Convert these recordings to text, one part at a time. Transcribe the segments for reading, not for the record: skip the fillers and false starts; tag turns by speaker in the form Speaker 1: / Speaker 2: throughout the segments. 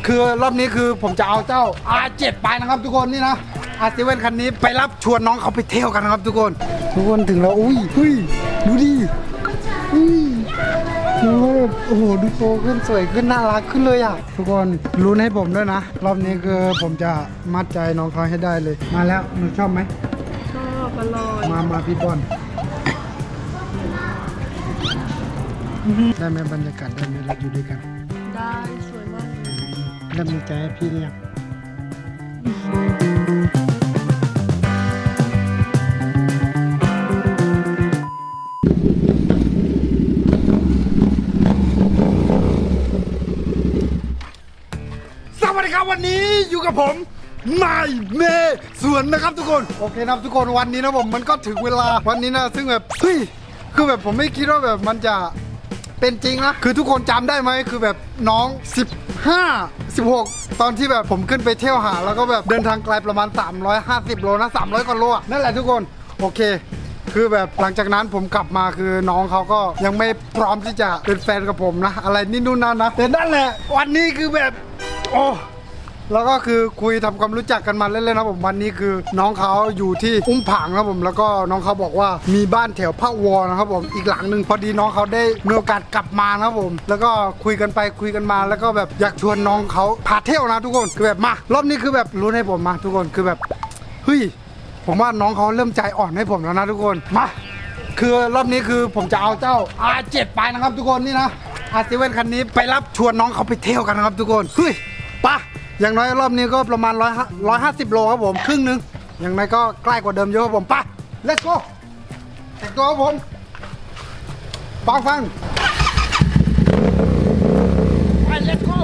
Speaker 1: คือรอบนี้คือผมจะเอาเจ้า R7 ไปนะครับทุกคนนี่นะ R7 คันนี้ไปรับชวนน้องเขาไปเที่ยวกันนะครับทุกคนถึงแล้วอุ้ยเฮ้ยดูดิอุ้ยดูแบบโอ้โหดูโตขึ้นสวยขึ้นน่ารักขึ้นเลยอ่ะทุกคนรู้ให้ผมด้วยนะรอบนี้คือผมจะมัดใจน้องเขาให้ได้เลยมาแล้วหนูชอบไหม
Speaker 2: ชอบอร่อย
Speaker 1: มาพี่บอลได้ไหมบรรยากาศได้ไหมเราอยู่ด้วยกัน
Speaker 2: ได้สวยมากเลย
Speaker 1: เริ่มมีใจให้พี่หรือยังสวัสดีครับวันนี้อยู่กับผมนายเมย์สวนนะครับทุกคนโอเคนะครับทุกคนวันนี้นะผมมันก็ถึงเวลาวันนี้นะซึ่งแบบเฮ้ยคือแบบผมไม่คิดว่าแบบมันจะเป็นจริงนะคือทุกคนจำได้ไหมคือแบบน้อง15 16ตอนที่แบบผมขึ้นไปเที่ยวหาแล้วก็แบบเดินทางไกลประมาณ350โลนะ300กว่าโลนั่นแหละทุกคนโอเคคือแบบหลังจากนั้นผมกลับมาคือน้องเขาก็ยังไม่พร้อมที่จะเป็นแฟนกับผมนะอะไรนี่นู่นนั่นนะแต่นั่นแหละวันนี้คือแบบโอ้แล้วก็คือคุยทำความรู้จักกันมาเล่นๆนะผมวันนี้คือน้องเขาอยู่ที่อุ้มผางนะผมแล้วก็น้องเขาบอกว่ามีบ้านแถวพระวอนะครับผมอีกหลังหนึ่งพอดีน้องเขาได้มีโอกาสกลับมานะครับผมแล้วก็คุยกันไปคุยกันมาแล้วก็แบบอยากชวนน้องเขาพาเที่ยวนะทุกคนคือแบบมารอบนี้คือแบบรู้ให้ผมมาทุกคนคือแบบเฮ้ยผมว่าน้องเขาเริ่มใจอ่อนให้ผมแล้วนะทุกคนมาคือรอบนี้คือผมจะเอาเจ้า R7 ไปนะครับทุกคนนี่นะ R7 คันนี้ไปรับชวนน้องเขาไปเที่ยวกันนะครับทุกคนเฮ้ยปะอย่างน้อยรอบนี้ก็ประมาณ150โลครับผมครึ่งนึงอย่างน้อยก็ใกล้กว่าเดิมเยอะครับผมปะ let's go แต่งตัวครับผมฟังไป let's go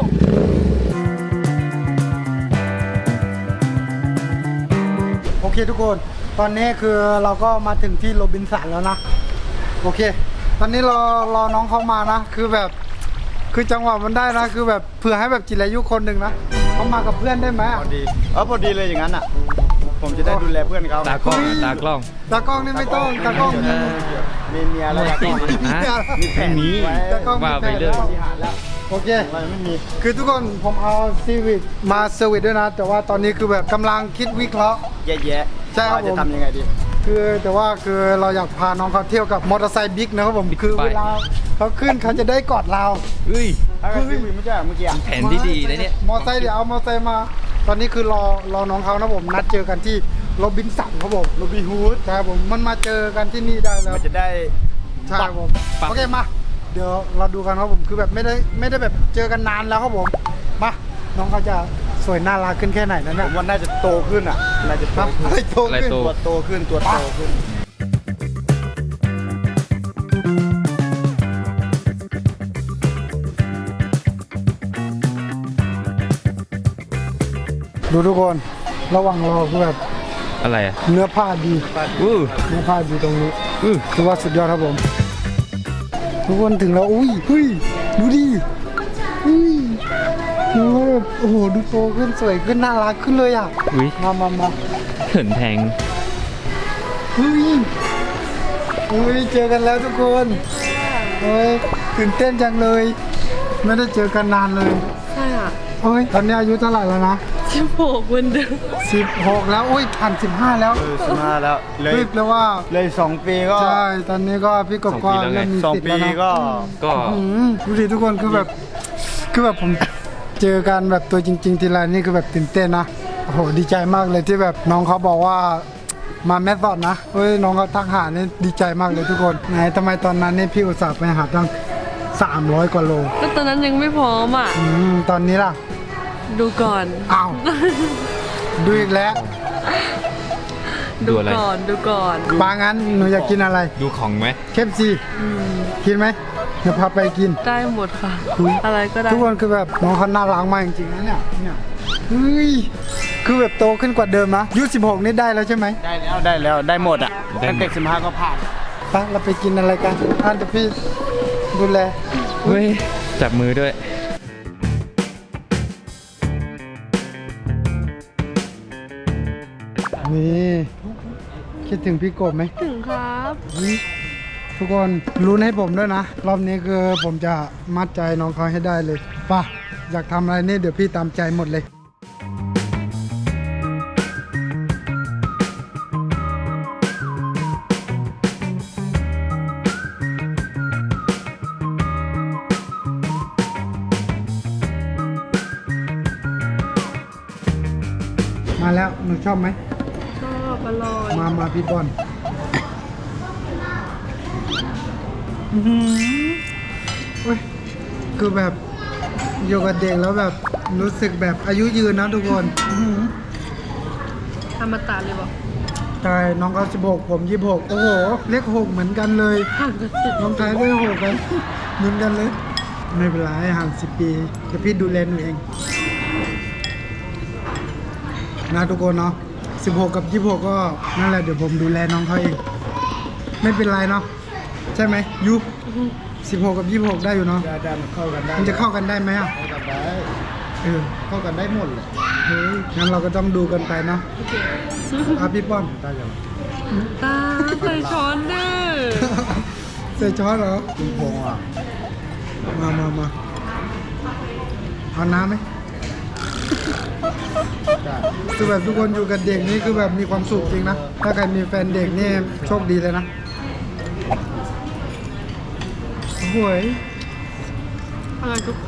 Speaker 1: โอเคทุกคนตอนนี้คือเราก็มาถึงที่โรบินสันแล้วนะโอเคตอนนี้รอน้องเขามานะคือแบบคือจังหวะมันได้นะคือแบบเผื่อให้แบบจิรายุคนหนึ่งนะเขามากับเพื่อนได้ไหม
Speaker 3: พอดีพอดีเลยอย่างนั้นอ่ะผมจะได้ดูแลเพื่อนเขา
Speaker 4: ตากล้อง
Speaker 1: นี่ไม่ต้องตากล้อง
Speaker 3: มีเมียแล้วตากล้องมีแผนนี้
Speaker 1: ตากล้อง
Speaker 4: ว่าไปเลย
Speaker 1: โอเค
Speaker 3: ไม่มี
Speaker 1: คือทุกคนผมเอาซีวิกมาเซอร์วิสด้วยนะแต่ว่าตอนนี้คือแบบกำลังคิดวิเคราะห์
Speaker 3: แย่
Speaker 1: ใช่ครับผม
Speaker 3: จะทำยังไงดี
Speaker 1: คือแต่ว่าคือเราอยากพาน้องเขาเที่ยวกับมอเตอร์ไซค์บิ๊กนะครับผมคือเวลาเขาขึ้นเขาจะได้กอดเรา
Speaker 3: ถ้าเกิดซีวิกไม่ใช่เมื่อกี้
Speaker 4: แผนที่ดีนะเนี่ย
Speaker 1: มอเตอร์ไซค์เดี๋ยวเอามอเตอร์ไซค์มาตอนนี้คือรอน้องเขานะผมนัดเจอกันที่โรบินสันครับผม
Speaker 3: โรบินฮูด
Speaker 1: ใช่ผมมันมาเจอกันที่นี่ได้แล้ว
Speaker 3: มันจะได้
Speaker 1: ใช่ผมโอเคมาเดี๋ยวเราดูกันครับผมคือแบบไม่ได้แบบเจอกันนานแล้วครับผมมาน้องเขาจะสวยน่ารักขึ้นแค่ไหนนั่น
Speaker 3: ผ
Speaker 1: น่ะ
Speaker 3: มว่าน่าจะโตขึ้นอ่ะน่าจะโตขึ้น
Speaker 1: อะไรโตขึ้น
Speaker 3: ตัวโตขึ้นตัวโตขึ้น
Speaker 1: ดูทุกคนระหว่างรอคือแบบ
Speaker 4: อะไรอ่ะ
Speaker 1: เนื้อผ้าดีเนื้อผ้าดีตรงนี้คือว่าสุดยอดครับผมทุกคนถึงแล้วอุ้ยเฮ้ยดูดิดูแบบโอ้โหดูโตขึ้นสวยขึ้นน่ารักขึ้นเลยอ่ะมา
Speaker 4: เขินแทง
Speaker 1: เฮ้ยเจอกันแล้วทุกคนเฮ้ยตื่นเต้นจังเลยไม่ได้เจอกันนานเลย
Speaker 2: ใช่อ่ะ
Speaker 1: เฮ้ยตอนนี้อายุเท่าไหร่แล้วนะ
Speaker 2: 16วันเดิม
Speaker 1: 16แล้วอุ้ยผ่าน15แล้ว
Speaker 3: 15แล้วเลย
Speaker 1: แปลว่า
Speaker 3: เลย2 ปีก็
Speaker 1: ใช่ตอนนี้ก็พี่กบก็เริ่มมีสิทธิ์แล้วนะ
Speaker 3: ก็
Speaker 1: ดูดิทุกคนคือแบบผมเจอกันแบบตัวจริงๆทีไรนี่คือแบบตื่นเต้นนะโอ้โหดีใจมากเลยที่แบบน้องเขาบอกว่ามาแมสซอดนะเฮ้ยน้องเขาทักหานี่ดีใจมากเลยทุกคนไหนทำไมตอนนั้นนี่พี่อุตส่าห์ไปหาตั้ง300กว่าโล
Speaker 2: ก็ตอนนั้นยังไม่พร้อมอ่ะ
Speaker 1: ตอนนี้ล่ะ
Speaker 2: ดูก่อน
Speaker 1: อ้าวดูอีกแล้ว
Speaker 2: ดูก่อน
Speaker 1: ปางั้นหนูอยากกินอะไร
Speaker 4: ดูของไหม
Speaker 1: เคฟซีกินไหมเดี๋ยวพาไปกิน
Speaker 2: ได้หมดค่ะอะไรก็ได้
Speaker 1: ทุกคนคือแบบน้องเขาน่ารักมากจริงๆนะเนี่ยเฮ้ยคือแบบโตขึ้นกว่าเดิมนะยุ16นี่ได้แล้วใช่ไหม
Speaker 3: ได้แล้วได้หมดอ่ะตั้งแต่15ก็ผ่าน
Speaker 1: ไปเราไปกินอะไรกันเดี๋ยวพี่ดูแล
Speaker 4: เฮ้ยจับมือด้วย
Speaker 1: นี่คิดถึงพี่กบไหม
Speaker 2: ถึงครับ
Speaker 1: ทุกคนรู้ให้ผมด้วยนะรอบนี้คือผมจะมัดใจน้องเขาให้ได้เลยป่ะอยากทำอะไรนี่เดี๋ยวพี่ตามใจหมดเลย มาแล้วหนูชอบไหม
Speaker 2: ชอบอร่อย
Speaker 1: มาพี่บอลโอ้ยคือแบบอยู่กับเด็กแล้วแบบรู้สึกแบบอายุยืนนะทุกคน
Speaker 2: ธรรมตาเลยบอก
Speaker 1: ใช่น้องเขา16ผม26โอ้โหเลข6เหมือนกันเลย
Speaker 2: ห่างกันสิบ
Speaker 1: น้องชายเลข6กันเหมือนกันเลย ไม่เป็นไรห่าง10 ปีเดี๋ยวพี่ดูแลหนูเองนะทุกคนเนาะ16กับ26ก็นั่นแหละเดี๋ยวผมดูแลน้องเขาเอง ไม่เป็นไรเนาะใช่ไหมยุ16กับ26ได้อยู่เนาะ
Speaker 3: ได้มันเข้ากันได้
Speaker 1: มันจะเข้ากันได้ไหมอ่ะ
Speaker 3: เข้ากันได้
Speaker 1: เออ
Speaker 3: เข้ากันได้หมดเลย
Speaker 1: เฮ้ยงั้นเราก็ต้องดูกันไปเนาะอ่ะพี่ป้อน
Speaker 3: ได้ยัง
Speaker 2: ตาใส่ช้อนเด้อ
Speaker 1: ใส่ช้อนเหรอ
Speaker 3: คุณพงษ์อ่ะ
Speaker 1: มาเอาน้ำไหม
Speaker 3: ได้
Speaker 1: คือแบบทุกคนอยู่กับเด็กนี่คือแบบมีความสุขจริงนะ ถ้าใครมีแฟนเด็กนี่โชคดีเลยนะโอ้ย
Speaker 2: อร่อยทุกค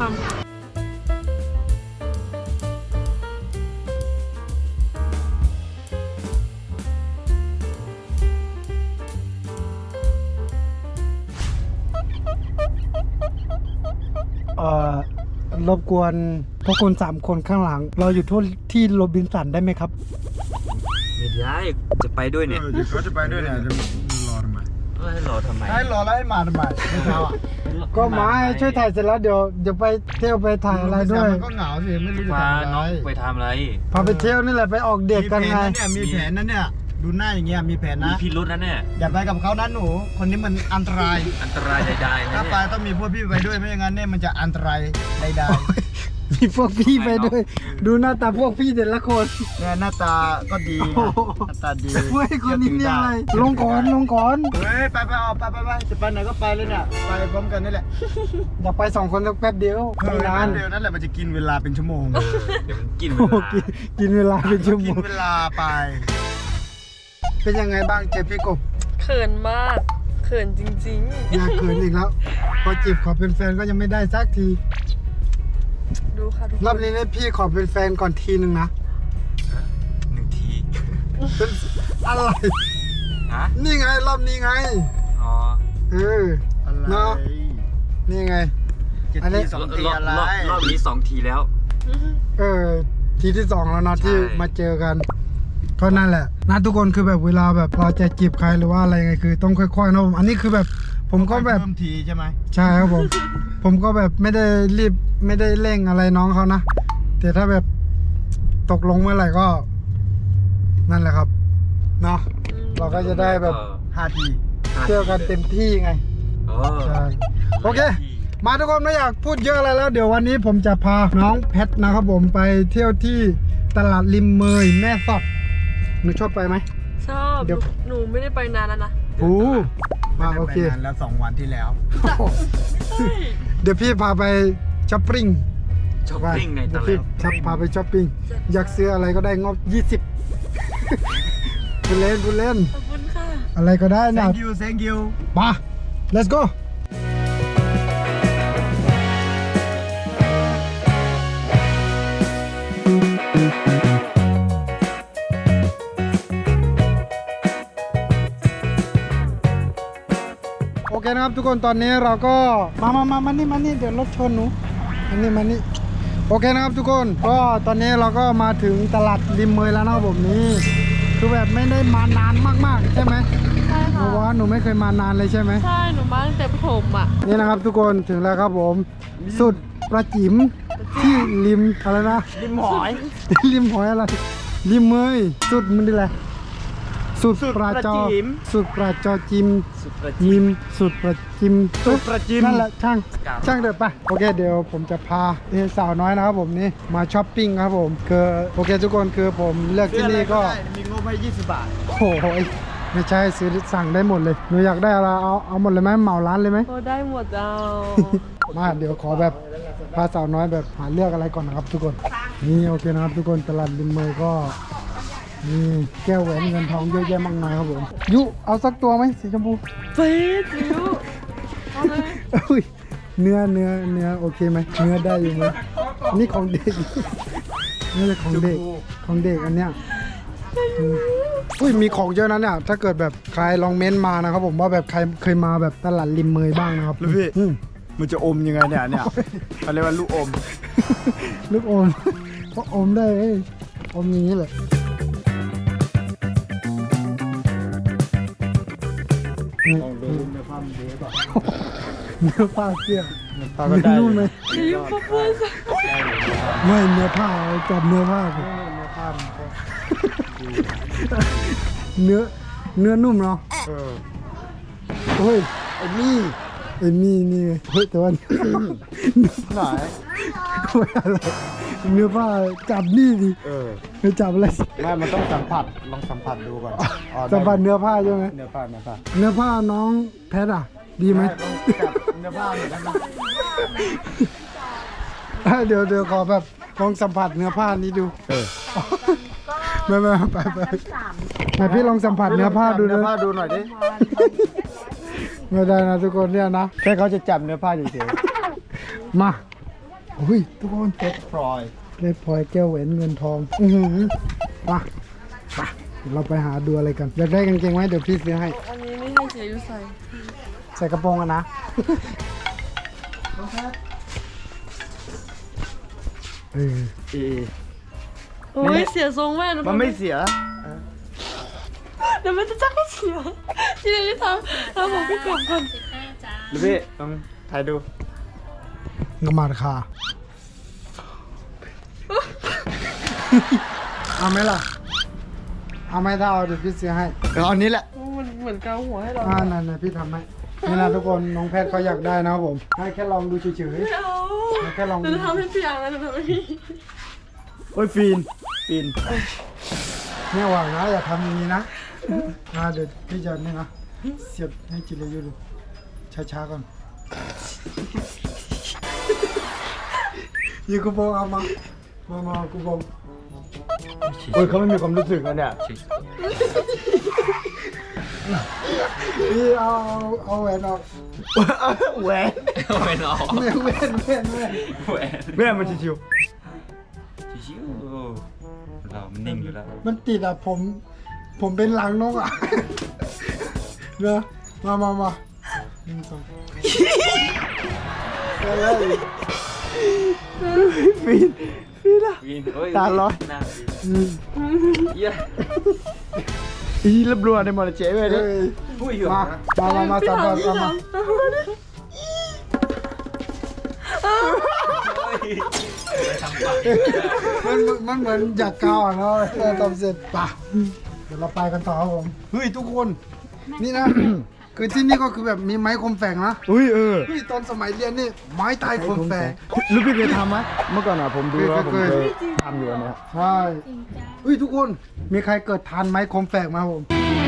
Speaker 1: รบกวนพวกคุณ3 คนข้างหลัง เราอยู่ที่โรบินสันได้ไหมครับ
Speaker 4: ไม่ได้จะไปด้วยเนี่ย
Speaker 3: เดี๋ยวเขาจะไปด้วยเนี่ยจะรอทำไม
Speaker 4: ให้รอทำไม
Speaker 3: ให้รอแล้วให้มาทำไมไม่เช้าอ่ะ
Speaker 1: ก็มาให้ช่วยถ่ายเสร็จแล้วเดี๋ยวไปเที่ยวไปถ่ายอะไรด้วย
Speaker 3: มันก็เหงาสิไม่รู้จะ
Speaker 4: พา
Speaker 3: ทำอะไร
Speaker 4: น้องไปทำอะไร
Speaker 1: พาไปเที่ยวนี่แหละไปออกเด็กกันไง
Speaker 3: มีแผนนะเนี่ยดูหน้าอย่างเงี้ยมีแผน
Speaker 4: มี
Speaker 3: นะ
Speaker 4: พิรุษนะเนี่ย
Speaker 3: อย่าไปกับเขานะหนู คนนี้มันอันตราย
Speaker 4: อันตรายใดๆนะ
Speaker 3: ถ้า
Speaker 4: เนี่
Speaker 3: ไป
Speaker 4: ย
Speaker 3: ต้องมีพวกพี่ไปด้วยไม่อย่างนั้นเนี่ยมันจะอันตรายใด
Speaker 1: มีพวกพี่ไปด้วย ดูหน้าตาพวกพี่แต่ละคน
Speaker 3: ๆเนี่ยหน้าตาก็ดีนะหน้าตาดี
Speaker 1: เฮ้ยคนนี้เนี่ยอะไรลงก่อน
Speaker 3: เฮ้ยไปออกไปจะไปไหนก็ไปเลยเนี่ยไปพร้อมกันนี่แหละ
Speaker 1: อยากไป2 คนสักแป๊บเดียวไม่นาน
Speaker 3: เดียวนั่นแหละมันจะกินเวลาเป็นชั่วโมง
Speaker 4: เดี๋ยวมันกินเว
Speaker 1: โอ้โห
Speaker 4: ลา
Speaker 1: กินเวลาเป็นชั่วโม
Speaker 3: กิน
Speaker 1: ง
Speaker 3: เวลาไป
Speaker 1: เป็นยังไงบ้างเจอพี่กบ
Speaker 2: เขินมาก เขินจริง
Speaker 1: อยากเขินอีกแล้ว พอจีบขอเป็นแฟนก็ยังไม่ได้สักที
Speaker 2: ๆ ดูค่ะทุกคน
Speaker 1: รอบนี้เนี่ยพี่ขอเป็นแฟนก่อนทีนึงนะ
Speaker 4: 1 ที
Speaker 1: เป็นอะไร
Speaker 4: ฮะ
Speaker 1: นี่ไงรอบนี้ไง
Speaker 4: อ๋อ
Speaker 1: เออ
Speaker 3: อะไร
Speaker 1: เนาะนี่ไง
Speaker 3: จะ
Speaker 1: อันนี้
Speaker 3: ทีสองที
Speaker 4: รอบ
Speaker 3: อะไร
Speaker 4: รอบนี้2 ทีแล้ว
Speaker 1: ทีที่ 2แล้วเนาะ
Speaker 4: ใช่
Speaker 1: ที่มาเจอกันก็นั่นแหละนะทุกคนคือแบบเวลาแบบเราจะจีบใครหรือว่าอะไรไงคือต้องค่อยๆนะผมอันนี้คือแบบผมก็แบบ
Speaker 3: เพิ่มทีใช่ไหม
Speaker 1: ใช่ครับผม ผมก็แบบไม่ได้รีบไม่ได้เร่งอะไรน้องเขานะแต่ถ้าแบบตกลงเมื่อไหร่ก็ นั่นแหละครับเนาะเราก็จะได้แบบ
Speaker 3: 5 ที
Speaker 1: เที่ยวกันเต็มที่ไง
Speaker 4: โอ้
Speaker 1: ใช่โอเค มาทุกคนไม่อยากพูดเยอะอะไรแล้ว เดี๋ยววันนี้ผมจะพาน้องแพทนะครับผมไปเที่ยวที่ตลาดริมเมยแม่สอดหนูชอบไปไหม
Speaker 2: ชอบ
Speaker 1: เดี๋ยว
Speaker 2: หนูไม่ได้ไปนานแล้วนะ
Speaker 1: โอ้มาโอเค
Speaker 3: ไปนานแล้ว2 วันที่แล้ว
Speaker 1: เดี๋ยวพี่พาไปช้อปปิ้ง
Speaker 4: ช้อปปิ้งในต
Speaker 1: เดี๋ยว
Speaker 4: ลา
Speaker 1: พี่
Speaker 4: ด
Speaker 1: พาไปช้อปปิ้งอยากซื้ออะไรก็ได้งบ 20 พูดเล่น
Speaker 2: ขอบคุณค่ะ
Speaker 1: อะไรก็ได้นะ
Speaker 3: thank you
Speaker 1: มา let's go โอเคนะครับทุกคนตอนนี้เราก็มานี่เดี๋ยวรถชนหนูมานี่โอเคนะครับทุกคนก็ตอนนี้เราก็มาถึงตลาดริมเมยแล้วนะครับผมนี่คือแบบไม่ได้มานานมากๆใช่ไหม
Speaker 2: ใช่
Speaker 1: หนู
Speaker 2: ค่ะ
Speaker 1: ว่าหนูไม่เคยมานานเลยใช่ไหม
Speaker 2: ใช่ หนูมาตั้งแต่ประถมอ่ะ
Speaker 1: นี่นะครับทุกคนถึงแล้วครับผม สุดประจิ๋มที่ริมอะไรนะ
Speaker 3: ริมหอย
Speaker 1: ริมหอยอะไรริมเมยสุดมันดีแหละสุดปราจอ
Speaker 3: สุดประจิ๋ม
Speaker 1: สุดปราจอจิม
Speaker 4: สุดประ
Speaker 1: ยิมสุดประจิม
Speaker 3: สุดประจิม
Speaker 1: นั่นแหละช่างเดินไปโอเคเดี๋ยวผมจะพาสาวน้อยนะครับผมนี่มาช้อปปิ้งครับผมคือโอเคทุกคนคือผมเลือกที่นี่ก็
Speaker 3: มีงบให้20 บาท
Speaker 1: โอ้โหไม่ใช่ซื้อสั่งได้หมดเลยหนูอยากได้อะไรเอาหมดเลยไหมเหมาร้านเลยไหม
Speaker 2: โอ้ได้หมดเอา
Speaker 1: มาเดี๋ยวขอแบบพาสาวน้อยแบบหาเลือกอะไรก่อนนะครับทุกคนนี่โอเคนะครับทุกคนตลาดริมเมยก็มีแก้วแหวนเงินทองเยอะแยะมากมายครับผมยุเอาสักตัวไหมสีชมพู
Speaker 2: เฟ้จิ๋วเอาเลย
Speaker 1: อุ้ยเนื้อโอเคไหมเนื้อได้อยู่ไหมนี่ของเด็กนี่จะของเด็กอันเนี้ยอุ้ยมีของเยอะนะเนี่ยถ้าเกิดแบบใครลองเม้นต์มานะครับผมว่าแบบใครเคยมาแบบตลาดริมเมยบ้างนะครับ
Speaker 3: ลูกพี่
Speaker 1: อืม
Speaker 3: มันจะอมยังไงเนี่ยเขาเรียกว่าลูกอม
Speaker 1: ลูกอมก็อมได้เอ้ยอมอย่างนี้เลย
Speaker 3: ลองดูเนื้อผ้ามันดีป่ะ
Speaker 1: เนื้อผ้าเสี้ย
Speaker 3: ผ้าก็ได้
Speaker 1: นุ่มไหม
Speaker 2: จิ๋วพ่อพ่อสิ
Speaker 1: ไม่เนื้อผ้าจับเนื้อผ้าสิ
Speaker 3: เนื้อผ้ามันก็
Speaker 1: เนื้อนุ่มเนาะ
Speaker 3: เออ
Speaker 1: เฮ้ย
Speaker 3: ไอ้นี่
Speaker 1: ไอ้นี่เฮ้ยแต่ว่า
Speaker 3: ไหน
Speaker 1: อะไรเนื้อผ้าจับนี่ดิ
Speaker 3: เออ
Speaker 1: ไม่จับอะไร
Speaker 3: ไม่มันต้องสัมผัสลองสัมผัสดูก่อนอ๋อได้
Speaker 1: สัมผัสเนื้อผ้าใช่ไหม
Speaker 3: เนื้อผ้า
Speaker 1: เนื้อผ้าน้องแพทอ่ะ ดีไหม
Speaker 3: จับเนื้อผ้าหน่อยได้ไหม
Speaker 1: เดี๋ยวขอแบบลองสัมผัสเนื้อผ้านี้ดู
Speaker 3: เออ
Speaker 1: ไม่ไปไหนพี่ลองสัมผัสเนื้อผ้าดู
Speaker 3: เนื้
Speaker 1: นะ
Speaker 3: อผ้าดูหน่อยดิ
Speaker 1: ไม่ได้นะทุกคนเนี่ยนะ
Speaker 3: แค่เขาจะจับเนื้อผ้าเฉย
Speaker 1: มาอุ้ยทุกคน
Speaker 3: ๆเพชรพลอย
Speaker 1: ได้พลอยแก้วแหวนเงินทองมาเดี๋ยวเราไปหาดูอะไรกันอยากได้กางเกงไหมเดี๋ยวพี่ซื้อให้
Speaker 2: อันนี้ไม่ให้เสียอยู่ใส่
Speaker 1: ใส่กระโปรงกันนะเออ
Speaker 2: โอ้ยเสียทรงแม่หนู
Speaker 3: มันไม่เสีย
Speaker 2: เดี๋ยวมันจะจักให้เสียที่ไหนที่ทำผมพี่กลับก่อน
Speaker 3: ลูกพี่ลองถ่ายดู
Speaker 1: งมาราคาเอาไหมล่ะเอาไหมถ้าเอาเดี๋ยวพี่ซื้อให้
Speaker 3: เอาอันนี้แหละ
Speaker 2: มันเหมือนเกาหัวให้เรา
Speaker 1: นั่นพี่ทำให้นี่นะทุกคนน้องแพทย์เขาอยากได้นะครับผมให้แค่ลองดูเฉย
Speaker 2: ไม่เอา
Speaker 1: แค่ลอง
Speaker 2: หนูจะทำให้เปียกนะหนูทำให้พี่
Speaker 3: โอ้ยฟีน
Speaker 1: ๆเนี่ยหวังนะอย่าทำอย่างนี้นะเดี๋ยวพี่จะนี่นะเสียบให้จิรายุดูช้าๆก่อนยืนกูโบงเอามากูโบง
Speaker 3: โอ้ยเขาไม่มีความรู้สึกแล้วเนี่ย
Speaker 1: พี่เอาแหวนออก
Speaker 3: แหวน
Speaker 4: ไม่นอก
Speaker 1: แหวน
Speaker 4: แหวน
Speaker 3: แม่มันชิว
Speaker 4: ชิวๆเรามันนิ่งอยู่แล้ว
Speaker 1: มันติดอ่ะผมเป็นหลังนกอ่ะเนอะมาหนึ่งสอง
Speaker 3: ฟีนอะ
Speaker 4: วินเอ้ย
Speaker 3: ตาลอย
Speaker 4: หน้าวิน
Speaker 1: อืม
Speaker 4: เหี้ย
Speaker 3: อีรับรัวในมอเตอร์เจ๊ไปดิ
Speaker 1: เฮ้ย
Speaker 4: ผู้หญิง
Speaker 1: มาสามบาทเอามามันเหมือนอยากกาวอ่ะเนาะทำเสร็จป่ะเดี๋ยวเราไปกันต่อครับผมเฮ้ยทุกคนนี่นะ คือที่นี่ก็คือแบบมีไม้คมแฝงนะ
Speaker 3: อุ้ยเออ
Speaker 1: เฮ้ยตอนสมัยเรียนนี่ไม้ตายคมแฝง
Speaker 3: ลูกพี่เคยทำไหมเมื่อก่อนอ่ะผมดูแล้วผม
Speaker 1: เคย
Speaker 3: เคยทำอยู่อันเนี้ย
Speaker 1: ใช่เฮ้ยทุกคนมีใครเกิดทานไม้คมแฝกไหมาครับผม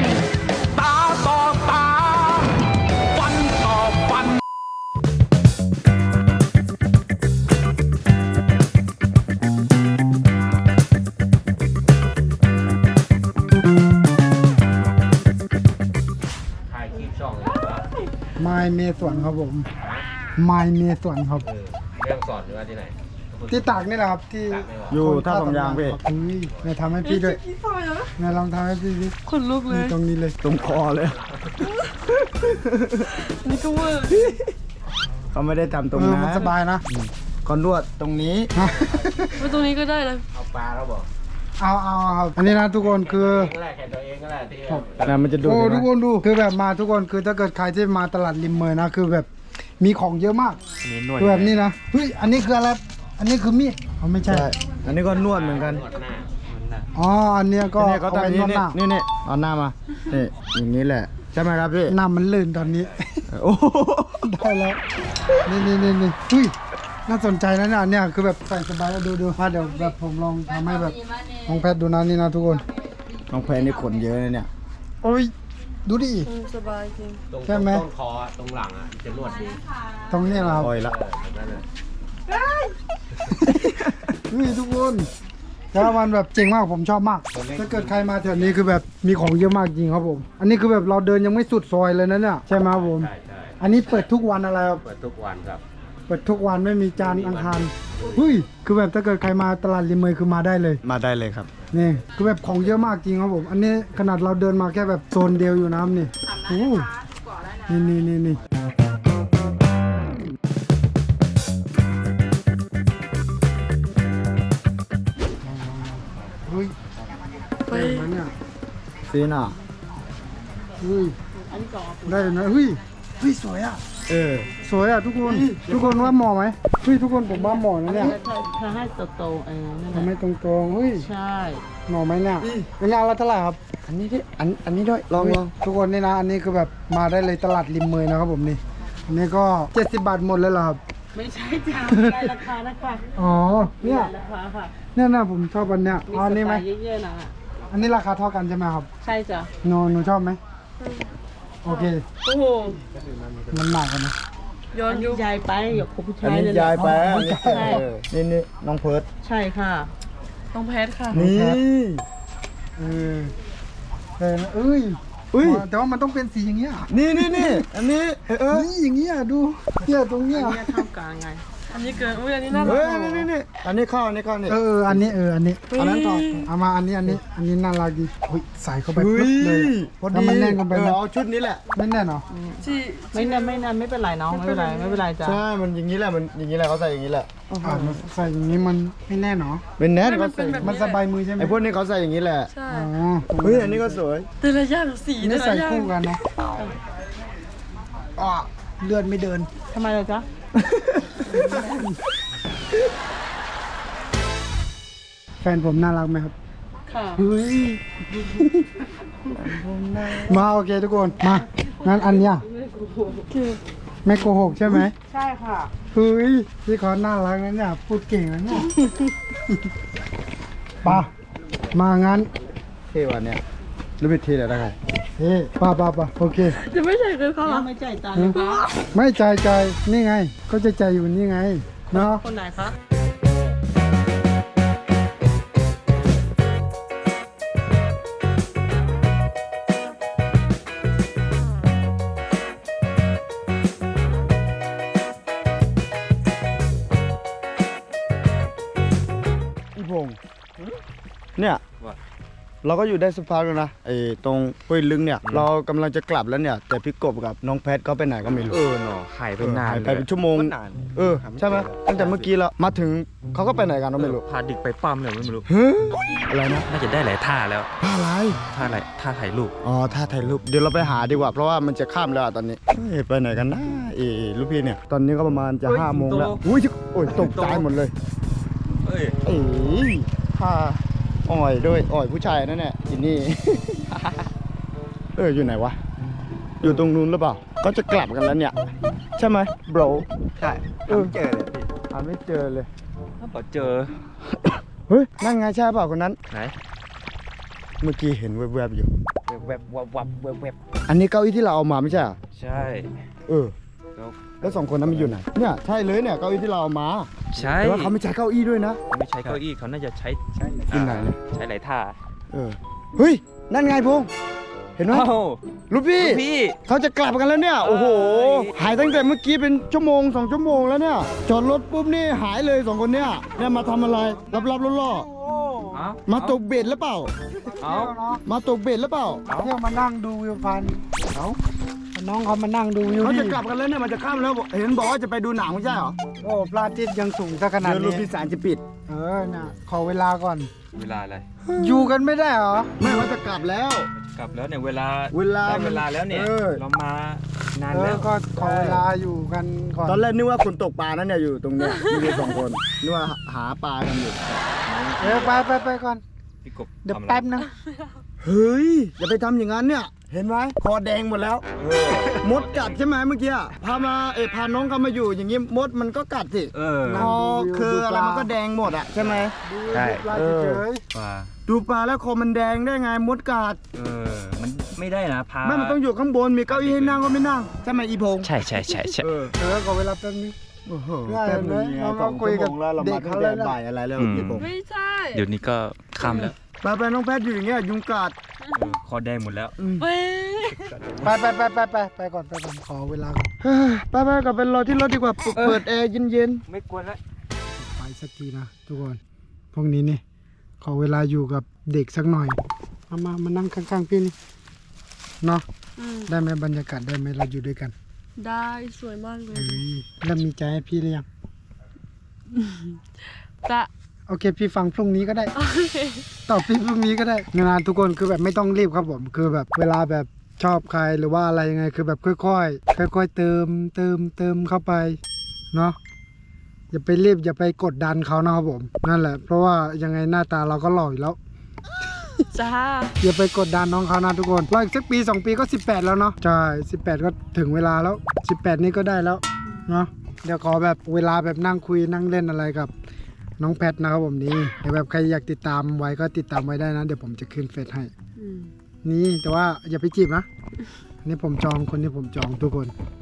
Speaker 4: ถ่ายคลิปช่องเลยว่า
Speaker 1: ไม้เมสวนครับผมไม้เมสวนครับ
Speaker 4: เรื่องสอนหรือว่าที่ไหน
Speaker 1: ที่ตากนี่แหละครับที่
Speaker 3: อยู่ท่าสองยางพี่
Speaker 1: เฮ้ยนายทำให้พี่ด้วย
Speaker 2: พี่ฟอยเหรอน
Speaker 1: ายลองทำให้พี่ดิ
Speaker 2: ขนลุกเล
Speaker 1: นี่
Speaker 2: ย
Speaker 1: ตรงนี้เลย
Speaker 3: ตรงคอเลย
Speaker 2: นี่ก็เวอร์
Speaker 3: เขาไม่ได้ทำตรง
Speaker 1: เออ
Speaker 3: นั้น
Speaker 1: มันสบายนะ
Speaker 3: เขานวดตรงนี้
Speaker 2: ไว้ตรงนี้ก็ได้นะ
Speaker 4: เอาปลาแล้วบอก
Speaker 1: เอาครับอันนี้นะทุกคนคือ
Speaker 4: ก็แหละแค่ตัวเองก็แหละที่
Speaker 3: นะมันจะดูด
Speaker 1: โอ้
Speaker 3: เห็นไหม
Speaker 1: ทุกคนดูคือแบบมาทุกคนคือถ้าเกิดใครที่มาตลาดริมเมยนะคือแบบมีของเยอะมาก
Speaker 3: มีนวด
Speaker 1: คือแบบนี้นะเฮ้ยอันนี้คืออะไรอันนี้คือมีดเขาไม่ใช่
Speaker 3: ใช่อันนี้ก็นวดเหมือนกัน
Speaker 4: หนวดหน้ามันหน้า
Speaker 1: อ๋ออันเนี้ยก็
Speaker 3: นี่เขา
Speaker 1: เอาไป
Speaker 3: ทำ
Speaker 1: น
Speaker 3: นี่
Speaker 1: วดหน้า
Speaker 3: นี่เอาหน้ามานี่อย่างนี้แหละใช่ไหมครับพี่
Speaker 1: หน้ามันลื่นตอนนี้
Speaker 3: โอ้โห
Speaker 1: ได้แล้วนี่เฮ้ยน่าสนใจนะเนี่ยอันเนี่ยคือแบบใส่สบายแล้วดูเดี๋ยวแบบผมลองทำให้แบบลองแพทย์ดูนะนี่นะทุกคน
Speaker 3: น้องแพนนี่ขนเยอะเลยเนี่ย
Speaker 1: โอ้ยดูดิ
Speaker 2: สบายจริง
Speaker 5: ตรง
Speaker 1: ใช่ไหม
Speaker 5: ต้นคอตรงหลังอ่ะจะนวดดี
Speaker 1: ตรงนี้เหรอครับ
Speaker 3: คอยละ
Speaker 5: แบบนั้นเลย
Speaker 1: นี่ทุกคนแล้วมันแบบเจ๋งมากผมชอบมาก ถ้าเกิดใครมาแถวนี้คือแบบมีของเยอะมากจริงครับผม อันนี้คือแบบเราเดินยังไม่สุดซอยเลยนะเนี่ยใช่ไหมครับผม
Speaker 5: ใช่ใช่
Speaker 1: อันนี้เปิดทุกวันอะไรครับ
Speaker 5: เปิดทุกวันครับ
Speaker 1: เปิดทุกวันไม่มีจานทร์อังคารเฮ้ยคือแบบถ้าเกิดใครมาตลาดริมเมยคือมาได้เลย
Speaker 3: มาได้เลยครับ
Speaker 1: นี่คือแบบของเยอะมากจริงครับผม อันนี้ขนาดเราเดินมาแค่แบบโซนเดียวอยู่นะครับนี่โอ้นี่เฮ้ยได้ไหมเนี่ย
Speaker 3: ซีน่ะ
Speaker 1: เฮ้ย
Speaker 2: อันนี้ก่อน
Speaker 1: ได้นะเฮ้ยสวยอ่ะ สวยอ่ะทุกคน ทุกคนว่าเหมาะไหมเฮ้ยทุกคนผมว่าเหมาะนะเนี่ย
Speaker 2: ถ้าให้โตๆนั่นแห
Speaker 1: ทำ
Speaker 2: ละ
Speaker 1: ให้ตรงๆเฮ้ย
Speaker 2: ใช่
Speaker 1: เหมาะไหมเนี่ยเป็นงานละเท่าไหร่ครับ
Speaker 3: อันนี้ดิอันนี้ด้วยลอง
Speaker 1: ทุกคนนี่นะ อันนี้คือแบบมาได้เลยตลาดริมเมยนะครับผมนี่ อันนี้ก็70 บาทหมดเลยเหรอครับ
Speaker 2: ไม่ใช่จ้าได้ราคานะคะ
Speaker 1: อ๋อ เนี่ย
Speaker 2: ราคาค่ะ
Speaker 1: เนี่ยนะผมชอบอันเนี้ย
Speaker 2: มี
Speaker 1: เอาอัน
Speaker 2: ส
Speaker 1: นี้ไห
Speaker 2: ไต
Speaker 1: ม
Speaker 2: ล์เยอะๆนะ
Speaker 1: อันนี้ราคาเท่ากันใช่ไหมครับ
Speaker 2: ใช่จ้ะ
Speaker 1: หนูชอบไหมโอเค
Speaker 2: โอ้โห
Speaker 1: มันหนักกันนะ
Speaker 2: ย้อนยุคยายไปอย่าคบผู้
Speaker 3: อั
Speaker 2: ชาน ย
Speaker 3: นี้
Speaker 2: เลย
Speaker 3: ยายไป
Speaker 1: อ๋อ
Speaker 3: นี่
Speaker 1: ใช่
Speaker 3: นี่น้องเพิร์ด
Speaker 2: ใช่ค่ะต้องแพทค่ะ
Speaker 3: นี่
Speaker 1: เออแต่นะเอ้ย
Speaker 3: อุ้ย
Speaker 1: แต่ว่ามันต้องเป็นสีอย่างเงี้ย
Speaker 3: นี่อันนี้
Speaker 1: นี่อย่างเงี้ยดูเนี่ยตรงเนี้ย
Speaker 2: อันนี้เท่ากลางไง อันนี้เกินอุ้ยอันนี้น่ารั
Speaker 3: เฮ้
Speaker 2: ก
Speaker 3: ยนี่อันนี้เข้านี่
Speaker 1: อันนี้อันนี้
Speaker 2: เฮ้ย
Speaker 1: อันนั้นต่อเอามาอันนี้น่ารักดีเฮ้ยใส่เข้าไป
Speaker 3: เฮ้
Speaker 1: ปึ๊บเลย
Speaker 3: ย
Speaker 1: แล้วมันแน่นกันไปไหม
Speaker 3: เอาชุดนี้แหละ
Speaker 1: ไม่แน่นเหรอ
Speaker 2: ไม่นานไม่เป็นไรน้องไม่เป็นไรจ้ะ
Speaker 3: ใช่ มันอย่างนี้แหละ มันอย่างนี้แหละเขาใส่อย่างนี้แหละ
Speaker 1: มันใส่อย่างนี้มันไม่แน่นเหรอ
Speaker 3: เป็นแนทเขาใส่
Speaker 1: มันสบายมือใช่ไหม
Speaker 3: ไอ้พวกนี้เขาใส่อย่างนี้แหละ
Speaker 2: ใช่
Speaker 1: อ๋อ
Speaker 3: เฮ้ย อันนี้ก็สวย
Speaker 2: แต่ละอย่างสี
Speaker 1: อันนี่ใส่คู่กันนะอ๋อเลือดไม่เดิน
Speaker 2: ทำไมล่ะจ๊ะ
Speaker 1: แฟนผมน่ารักไหมครับ
Speaker 2: ค่ะ
Speaker 1: เฮ้ย มาโอเคทุกคน มา งั้นอันเนี้ยไม่โกหกใช่ไหม
Speaker 2: ใช่ค่ะ
Speaker 1: เฮ้ยพี่เขาน่ารักนะเนี่ย พูดเก่งนะเนี่ยปะมางั้น
Speaker 3: เท่ว่ะเนี่ยรู้วิธีอะไรได้ไง
Speaker 1: เฮ้ปะโอเค
Speaker 2: จะไม่ใช่คือเขาไม่ใจตาเลยคะ
Speaker 1: ไม่ใจนี่ไง ก็จะใจอยู่นี่ไง เนาะ
Speaker 2: คนไหนคะ
Speaker 3: อีพงษ์เนี่ย เราก็อยู่ได้สักพักแล้วนะไอ้ตรงห้วยลึงเนี่ย เรากำลังจะกลับแล้วเนี่ย แต่พี่กบกับน้องแพทเขาไปไหนก็ไม่รู้
Speaker 5: เนาะหายไปนาน
Speaker 3: หาย
Speaker 5: เลย
Speaker 3: ไปเป็นชั่วโมง
Speaker 5: นาน
Speaker 3: ใช่ไหมตั้งแต่เมื่อกี้แล้วมาถึงเขาก็ไปไหนกันก็ไม่รู้
Speaker 5: พาเด็กไปปั้มเลยไม่รู้
Speaker 3: เฮ้ยอะไรนะ
Speaker 5: น่าจะได้หลายท่าแล้ว
Speaker 3: อะไร
Speaker 5: ท่าอะไรท่าถ่ายรูป
Speaker 3: อ๋อท่าถ่ายรูปเดี๋ยวเราไปหาดีกว่าเพราะว่ามันจะข้ามแล้วอะตอนนี้เฮ้ยไปไหนกันนะลูกพี่เนี่ยตอนนี้ก็ประมาณจะ5 โมงแล้วอุ้ยโอ้ยตกใจหมดเลย
Speaker 5: เอ้ย
Speaker 3: เอ้ยผ้าอ่อยด้วยอ่อยผู้ชายนั่นแหละอินนี่ อยู่ไหนวะอยู่ตรงนู้นหรือเปล่าก็จะกลับกันแล้วเนี่ยใช่ไหม bro
Speaker 5: ใช่เจอเลยพี่
Speaker 3: หาไม่เจอเลย
Speaker 5: ถ้าบอกเจอ
Speaker 3: เฮ้ยนั่นไงใช่เปล่าคนนั้น
Speaker 5: ไหน
Speaker 3: เมื่อกี้เห็นแวบๆอยู่
Speaker 5: แวบแวบ
Speaker 3: อันนี้เก้าอี้ที่เราเอามาไม่ใช่เหรอ
Speaker 5: ใช่
Speaker 3: แล้ว2 คนนั้นมันอยู่ไหนเนี่ยใช่เลยเนี่ยเก้าอี้ที่เราเอามา
Speaker 5: ใช่
Speaker 3: แต่ว่าเขาไม่ใช้เก้าอี้ด้วยนะ
Speaker 5: ไม่ใช้เก้าอี้เขาน่าจะใช้
Speaker 3: ที่ไหนเนี่ย
Speaker 5: ใช้หลายท่า
Speaker 3: เฮ้ยนั่นไงพงษ์เห็นไหม
Speaker 5: เอ้า
Speaker 3: ลูกพี่
Speaker 5: พี่
Speaker 3: เขาจะกลับกันแล้วเนี่ย โอ้โห หายตั้งแต่เมื่อกี้เป็นชั่วโมง 2 ชั่วโมงแล้วเนี่ย จอดรถปุ๊บนี่หายเลย2 คนเนี่ยเนี่ยมาทำอะไรรับล่อ
Speaker 5: เอ้า
Speaker 3: ๆมาตกเบ็ดหรือเปล่า
Speaker 5: เอ้า
Speaker 3: มาตกเบ็ดหรือเปล่า
Speaker 1: เที่ยวมานั่งดูวิวพันเขาน้องเขามานั่งดูวิว
Speaker 3: เขา
Speaker 1: ดิ
Speaker 3: จะกลับกันแล้วเนี่ยมันจะข้ามแล้วเห็นบอกว่าจะไปดูหนังไม่ใช่เหรอ
Speaker 1: โอ้พระอาทิตย์ยังสูงซะขนาด
Speaker 3: เดี๋ยวลู
Speaker 1: นี้
Speaker 3: กพี่สารจะปิด
Speaker 1: น่ะขอเวลาก่อน
Speaker 5: เวลาอะไร
Speaker 1: อยู่กันไม่ได้เหรอ
Speaker 3: ไม่ว่าจะกลับแล้ว
Speaker 5: กลับแล้วเนี่ยเวลา
Speaker 3: เวลา
Speaker 5: ได้เวลาแล้วเนี่ย เรามานานแล้ว
Speaker 1: ก็ขอเวลาอยู่กันก่อน
Speaker 3: ตอนแรกนึกว่าคนตกปลานั่นเนี่ยอยู่ตรงเนี้ยมีอยู่2 คนนึกว่าหาปลากันอยู่
Speaker 1: ไปก่อน
Speaker 5: พี่กบ
Speaker 1: เดี๋ยว
Speaker 5: ทำอะไร
Speaker 1: แป๊บนึง
Speaker 3: เฮ้ยอย่าไปทำอย่างนั้นเนี่ย เห็นไหมคอแดงหมดแล้ว มดกัดใช่ไหมเมื่อกี้พาน้องเขามาอยู่อย่างงี้มดมันก็กัดสิ คอคืออะไรมันก็แดงหมดอ่ะใช่ไหม
Speaker 5: ใช่
Speaker 1: ปลาเฉย
Speaker 5: ปลา
Speaker 3: ดูปลาแล้วคอมันแดงได้ไงมดกัด
Speaker 5: มันไม่ได้นะพา
Speaker 3: ไม่มันต้องอยู่ข้างบนมีเก้าอี้ให้นั่งก็ไม่นั่งใช่ไหมอีพงษ์
Speaker 5: ใช่ใช่ใช่ใช่
Speaker 1: ขอเวลาแป๊บนึง
Speaker 3: โอ้โห
Speaker 1: ง่าย
Speaker 3: แป๊บนึง
Speaker 1: เลย
Speaker 3: ไง
Speaker 1: เรา
Speaker 3: สอง
Speaker 1: คุย
Speaker 3: ชั่ว
Speaker 1: กับ
Speaker 3: โมงแล้วเรา
Speaker 1: เด็
Speaker 3: มาก ตั้
Speaker 1: เขา
Speaker 3: ง
Speaker 1: แล้
Speaker 3: แต่
Speaker 1: วนะ
Speaker 3: บ่ายอะไรแล้วอีพงษ์
Speaker 2: ไม่ใช่
Speaker 5: เดี๋ยวนี้ก็ค่ำแล้ว
Speaker 3: ไปน้องแพทย์อยู่อย่างเงี้ยยุงกัด
Speaker 5: คอแดงหมดแล้ว
Speaker 2: เว้ย
Speaker 1: ไปก่อนขอเวลาก่อน
Speaker 3: เฮ้ยไปกลับไปรอที่รถดีกว่าเปิดแอร์เย็น
Speaker 5: ไม่กวนแล้ว
Speaker 1: ไปสักทีนะทุกคนพวกนี้นี่ขอเวลาอยู่กับเด็กสักหน่อยมานั่งข้างๆพี่นี่เนาะ ได้ไหมบรรยากาศได้ไหมเราอยู่ด้วยกัน
Speaker 2: ได้สวยมากเลย
Speaker 1: เฮ้ยแล้วมีใจให้พี่หรือยัง
Speaker 2: จะ
Speaker 1: โอเค พี่ฟังพรุ่งนี้ก็ได้ ตอบพี่พรุ่งนี้ก็ได้งานทุกคนคือแบบไม่ต้องรีบครับผมคือแบบเวลาแบบชอบใครหรือว่าอะไรยังไงคือแบบค่อยๆเติมเข้าไปเนาะอย่าไปรีบอย่าไปกดดันเขานะครับผมนั่นแหละเพราะว่ายังไงหน้าตาเราก็หล่ออยู่แล้ว
Speaker 2: จ้า
Speaker 1: อย่าไปกดดันน้องเขานะทุกคนรออีกสักปี2 ปีก็18แล้วเนาะใช่18ก็ถึงเวลาแล้ว18นี่ก็ได้แล้วเนาะเดี๋ยวขอแบบเวลาแบบนั่งคุยนั่งเล่นอะไรกับน้องแพทนะครับผมนี่เดี๋ยวแบบใครอยากติดตามไว้ก็ติดตามไว้ได้นะเดี๋ยวผมจะขึ้นเฟซให้นี่แต่ว่าอย่าไปจีบนะอันนี่ผมจองคนที่ผมจองทุกคน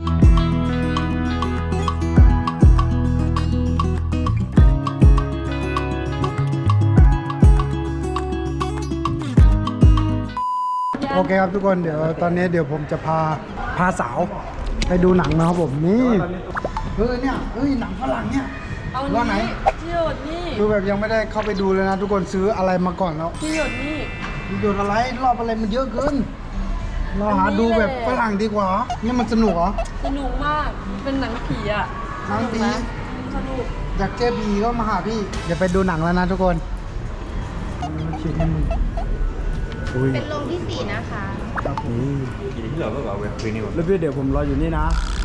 Speaker 1: โอเคครับทุกคนเดี๋ยวตอนนี้เดี๋ยวผมจะพาสาวไปดูหนังนะครับผมนี่เนี่ยหนังฝรั่งเนี่ย
Speaker 2: เอา
Speaker 1: ว่าไหน
Speaker 2: นี้ที่หยดนี่
Speaker 1: คือแบบยังไม่ได้เข้าไปดูเลยนะทุกคนซื้ออะไรมาก่อนแล้ว
Speaker 2: ที่หยดนี่
Speaker 1: มีดูอะไรรอบอะไรมันเยอะเกินเราหาดูแบบฝรั่งดีกว่านี่มันสนุกเหรอ
Speaker 2: สนุกมากเป็นหนังผีอ่ะ
Speaker 1: หนังผี
Speaker 2: สนุก
Speaker 1: อยากเจอผีก็มาหาพี่เดี๋ยวไปดูหนังแล้วนะทุกคนคิดให้มึงอุ้ย
Speaker 6: เป็นโรงที่ 4 นะคะ
Speaker 5: ที่เราก็เอาเว็บคืนนี่หมด
Speaker 3: แล้วพี่เดี๋ยวผมรออยู่นี่นะ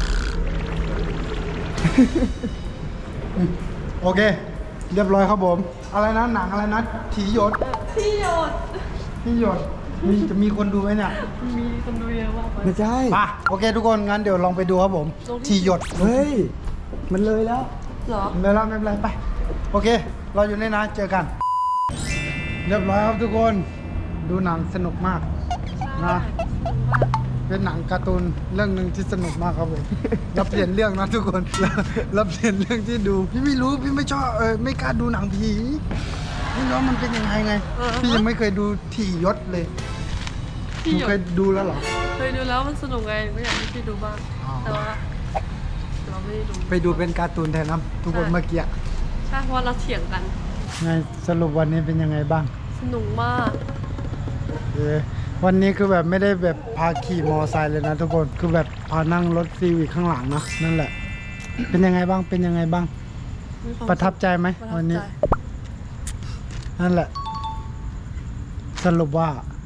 Speaker 1: โอเค เรียบร้อยครับผม อะไรนะหนังอะไรนะถีหยด
Speaker 2: ที่หยด
Speaker 1: ถีหยดจะมีคนดูไหมเนี่ย
Speaker 2: มีคนดูเยอะมากเลย
Speaker 3: ไม่ใช่
Speaker 1: ป่ะโอเคทุกคนงั้นเดี๋ยวลองไปดูครับผมถีหยด
Speaker 3: เฮ้ยมันเลยแล้ว
Speaker 2: เหรอ
Speaker 1: ไม่เป็นไรไม่เป็นไรไปโอเค เราอยู่นี่นะเจอกัน เรียบร้อยครับทุกคนดูหนังสนุกมากนะเป็นหนังการ์ตูนเรื่องหนึ่งที่สนุกมากครับผม รับเปลี่ยนเรื่องนะทุกคน รับเปลี่ยนเรื่องที่ดูพี่ไม่รู้พี่ไม่ชอบไม่กล้าดูหนังผีไม่รู้ว่ามันเป็นยังไงไงพี่ยังไม่เคยดูถีหยดเลยห
Speaker 2: ที่
Speaker 1: นู
Speaker 2: หย
Speaker 1: เคย
Speaker 2: ด
Speaker 1: ดูแล้วเหรอ
Speaker 2: เคยดูแล้วมันสนุกไงไม่อยากให้พี่ดูบ้าง
Speaker 1: อ๋อ
Speaker 2: แต่ว่าเราไม่ได้ดู
Speaker 1: ไปดูเป็นการ์ตูนแทนนะทุกคนเมื่อกี้
Speaker 2: ใช่เพราะว่าเราเถียงกัน
Speaker 1: ไงสรุปวันนี้เป็นยังไงบ้าง
Speaker 2: สนุกมาก
Speaker 1: วันนี้คือแบบไม่ได้แบบพาขี่มอไซค์เลยนะทุกคนคือแบบพานั่งรถซีวิคข้างหลังนะนั่นแหละ เป็นยังไงบ้างเป็นยังไงบ้าง
Speaker 2: มีความ
Speaker 1: ประทับใจไหม
Speaker 2: ประทับ
Speaker 1: วันนี้
Speaker 2: ใจ
Speaker 1: นั่นแหละ สรุปว่า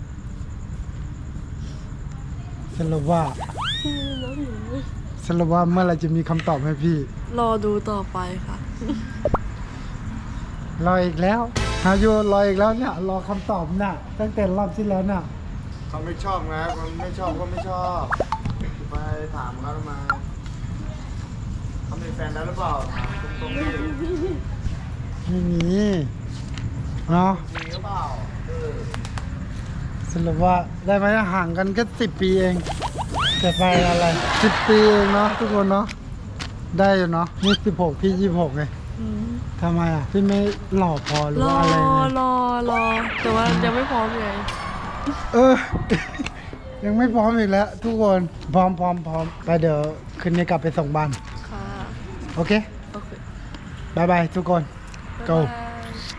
Speaker 1: สรุปว่าเมื่อไหรจะมีคำตอบให้พี่
Speaker 2: รอดูต่อไปค่ะ
Speaker 1: รออีกแล้วฮาโยรออีกแล้วเนี่ยรอคำตอบน่ะตั้งแต่รอบที่แล้วน่ะ
Speaker 3: เขาไม่ชอบนะคนไม่ชอบก็ไม่ชอบไปถามเขาทำไมเขามีแฟนแล้วหรือเปล่าถามตรงๆดิ
Speaker 1: ไม่มีเนาะ
Speaker 3: มีหรือเปล่า
Speaker 1: สรุปว่าได้ไหมห่างกันแค่10 ปีเองแต่ไปอะไร10 ปีเองเนาะทุกคนเนาะได้อยู่เนาะนี่16พี่26ไงทำไมอ่ะพี่ไม่หล่อพอหรือ
Speaker 2: รอ
Speaker 1: ว่าอะไรไง
Speaker 2: รอแต่ว่ายังไม่พร้อมไง
Speaker 1: เออ ยังไม่พร้อมอีกแล้วทุกคนพร้อมไปเดี๋ยวคืนนี้กลับไปส่งบ้าน
Speaker 2: ค่ะ
Speaker 1: โอเค
Speaker 2: โอเค
Speaker 1: บายบายทุกคน go
Speaker 2: บ๊ายบาย